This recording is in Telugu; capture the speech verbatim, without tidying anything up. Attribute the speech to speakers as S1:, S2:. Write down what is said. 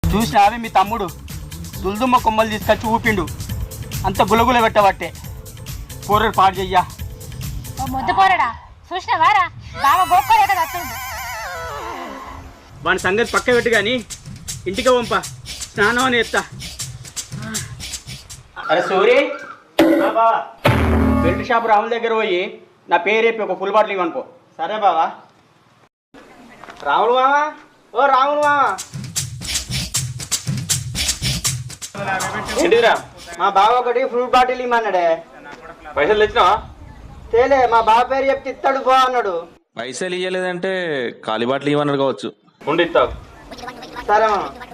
S1: చూసినావే మీ తమ్ముడు దుల్దుమ్మ కొమ్మలు తీసుకొచ్చి ఊపిండు, అంత గులగుల పెట్టబట్టే కూరలు పాడు చెయ్యా.
S2: ముద్దు పోరడా చూసినావారా బాగా గోక్కలే కదా అత్తుండు.
S1: వాని సంగతి పక్క పెట్టు కానీ ఇంటికి పంప, స్నానం అని ఎత్తా. అరే సూరి, బావా బెల్ట్ షాప్ రాముల దగ్గర పోయి నా పేరు చెప్పి ఒక ఫుల్ బాటిల్ ఇవ్వనుకో. సరే బావా. రాములు మామా, ఓ రాములు మామా. ఏంటిదిరా? మా బావ ఒకటి ఫ్రూట్ బాటిల్ ఇమ్మన్నాడే.
S3: పైసలు తెచ్చినావా?
S1: తేలే, మా బావ పేరు చెప్తే ఇస్తాడు పో అన్నాడు.
S3: పైసలు ఇవ్వలేదంటే ఖాళీ బాటలు ఇవ్వన్నారు కావచ్చు. ఉండి ఇస్తావు.
S1: సరే మామ.